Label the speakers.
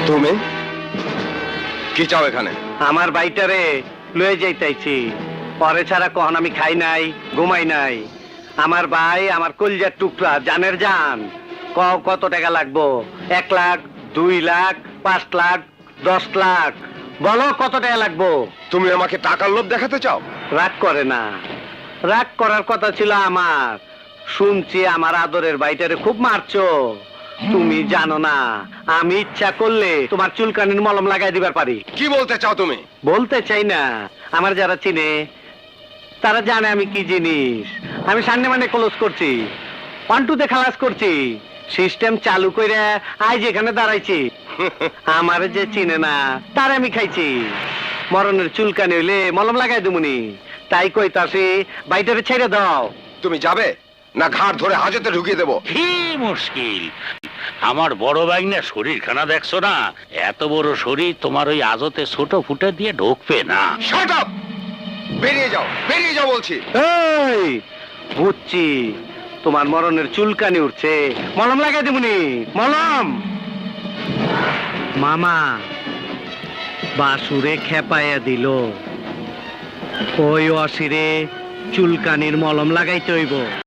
Speaker 1: তুমি কি চাও এখানে?
Speaker 2: আমার বাইটারে লয়ে যাইতাইছি। পরে ছাড়া কখন আমি খাই নাই, ঘুমাই নাই। আমার ভাই আমার কলজার টুকরা, জানের জান। কত টাকা লাগবো? 1 লাখ, 2 লাখ, 5 লাখ, 10 লাখ? বলো কত টাকা লাগবো?
Speaker 1: তুমি আমাকে টাকার লোভ দেখাতে চাও?
Speaker 2: রাগ করে না, রাগ করার কথা ছিল আমার। শুনছি আমার আদরের বাইটারে খুব মারছো। তুমি জানো না, আমি ইচ্ছা করলে তোমার চুলকানির মলম লাগাই দিবার পারি।
Speaker 1: কি বলতে চাও তুমি?
Speaker 2: বলতে চাই না, আমার যারা চিনে তারা জানে আমি কি জিনিস। আমি সামনে মানে ক্লোজ করছি, 1-2 খালাস করছি, সিস্টেম চালু করে আজ এখানে দাঁড়াইছি। আমার যে চিনে না তার আমি খাইছি। মরণের চুলকানি হইলে মলম লাগাই দুমুনি। তাই কইতাছি বাইটারে ছেড়ে দাও।
Speaker 1: তুমি যাবে না ঘাড় ধরে হাজতে ঢুকিয়ে দেবো?
Speaker 3: কি মুশকিল! আমার বড় ভাগ্নের শরীরখানা দেখছো না? এত বড় শরীর তোমার ওই আজতে ছোট ফুটে দিয়ে ঢুকবে না।
Speaker 1: Shut up! বেরিয়ে যাও, বেরিয়ে যাও বলছি।
Speaker 2: এই বুঝছি তোমার মরণের চুলকানি উঠছে, মলম লাগাই দেবুনি। মলম মামা বাসুরে খেপাইয়া দিল। ওই অসিরে চুলকানির মলম লাগাইতে হইব।